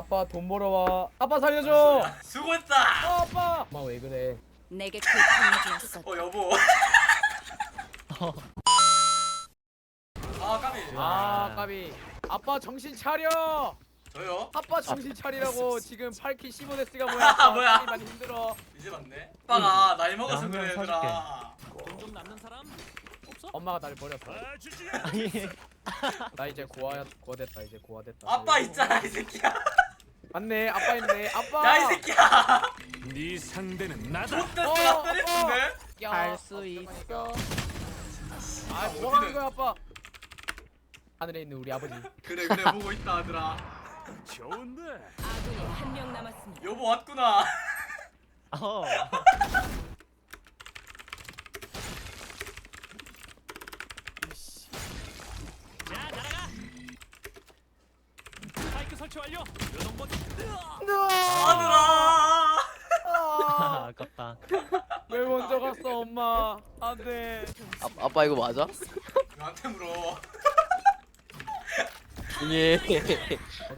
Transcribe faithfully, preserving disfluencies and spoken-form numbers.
아빠 돈 벌어와. 아빠 살려줘. 수고했다. 아, 아빠. 엄마 왜 그래? 내게 고통을 주었어. 어 여보. 아 까비. 아 까비. 아빠 정신 차려. 저요? 아빠 정신 차리라고. 지금 팔 킬 십오 데스가 뭐야? 아, 뭐야? 많이 많이 힘들어. 이제 맞네. 아빠가 나이 먹어서 나 그래 한번 얘들아. 돈좀 남는 사람 없어? 엄마가 나를 버렸어. 아, 주지. 아니 나 이제 고아 고아 됐다. 이제 고아 됐다. 아빠 있잖아 이 새끼야. 맞네. 아빠 있네. 아빠. 야 이 새끼야. 네 상대는 나다. 좋댔어 어, 나 때렸는데. 할 수 있어. 아, 뭐 하는 거야, 아빠? 하늘에 있는 우리 아버지. 그래 그래 보고 있다 아들아. 좋은데. 아군이 한 명 남았습니다. 여보 왔구나. 어. 자 날아가. 스파이크 설치 완료. 요동본. 아들아. 아, 아깝다. 왜 먼저 갔어, 엄마? 안 돼. 아, 아빠 이거 맞아? 나한테 물어. 예.